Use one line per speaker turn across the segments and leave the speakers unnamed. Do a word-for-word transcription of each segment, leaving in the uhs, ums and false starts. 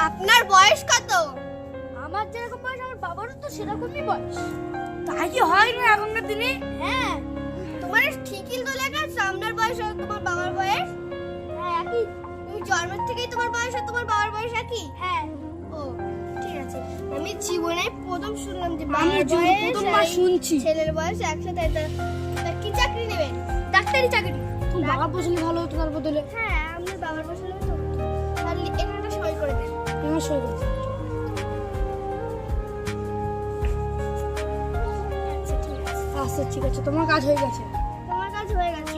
আপনার বয়স কত?
আমার যেরকম বয়স আমার বাবারও তো সেরকমই বয়স।
তাই কি হয় না এখনকার দিনে?
হ্যাঁ
তোমার ঠিকই তো লেখা আছে আপনার বয়স আর তোমার বাবার বয়স।
হ্যাঁ একই।
তুমি জন্মের থেকেই তোমার বয়স আর তোমার বাবার বয়স একই?
হ্যাঁ
ও ঠিক আছে। আমি জীবনে প্রথম শুনলাম যে
আমি
বাবার
জীবনে
বয়স
প্রথমবার
আর
শুনছি।
ছেলের বয়স একসাথে। তা তা কি চাকরি নেবেন?
ডাক্তারি চাকরি।
তুমি বাবা বসলে ভালো হতো তার বদলে।
হ্যাঁ আপনার বাবার বয়স হলে তো তাহলে এখানে একটা সই করে দেন।
তোমার সই করতে।
আচ্ছা ঠিক আছে।
আচ্ছা ঠিক আছে, তোমার কাজ হয়ে গেছে।
তোমার কাজ হয়ে গেছে।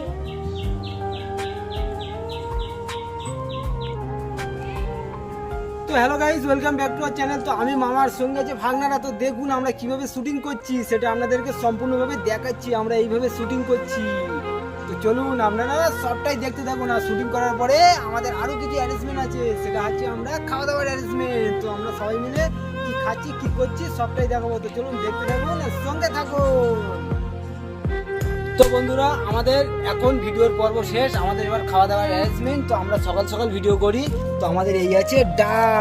তো hello guys, welcome back to our channel. তো আমি মামার সঙ্গে যে ভাগনারা, তো দেখুন আমরা কিভাবে শুটিং করছি সেটা আপনাদেরকে সম্পূর্ণভাবে দেখাচ্ছি। আমরা এইভাবে শুটিং করছি, তো চলুন আপনারা সবটাই দেখতে থাকুন। আর শুটিং করার পরে আমাদের আরো কিছু অ্যারেঞ্জমেন্ট আছে, সেটা হচ্ছে আমরা খাওয়া দাওয়ার অ্যারেঞ্জমেন্ট। তো আমরা সবাই মিলে কি খাচ্ছি কি করছি সবটাই দেখাবো। তো চলুন দেখতে থাকুন আর সঙ্গে থাকুন। তো বন্ধুরা, আমাদের এখন ভিডিওর পর্ব শেষ, আমাদের এবার খাওয়া দাওয়ার অ্যারেঞ্জমেন্ট। তো আমরা সকাল সকাল ভিডিও করি। তো আমাদের এই আছে ডাল,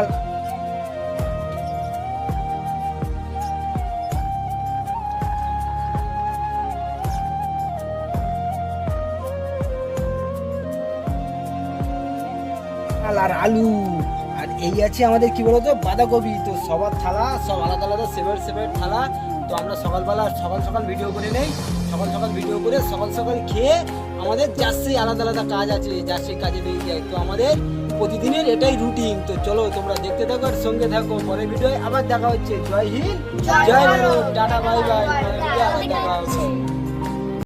ডাল আর আলু, আর এই আছে আমাদের কি বলতো বাঁধাকপি। তো সবার থালা সব আলাদা আলাদা সেপারেট সেপারেট থালা। তো আমরা সকালবেলা সকাল সকাল ভিডিও করে নেই, সকাল সকাল ভিডিও করে সকাল সকাল খেয়ে আমাদের যার সেই আলাদা আলাদা কাজ আছে, যার সেই কাজে বেরিয়ে যায়। তো আমাদের প্রতিদিনের এটাই রুটিন। তো চলো তোমরা দেখতে থাকো আর সঙ্গে থাকো। পরের ভিডিও আবার দেখা হচ্ছে। Jai Hind, Jai Bharat, tata, bye bye. পরের ভিডিও আবার দেখা হচ্ছে।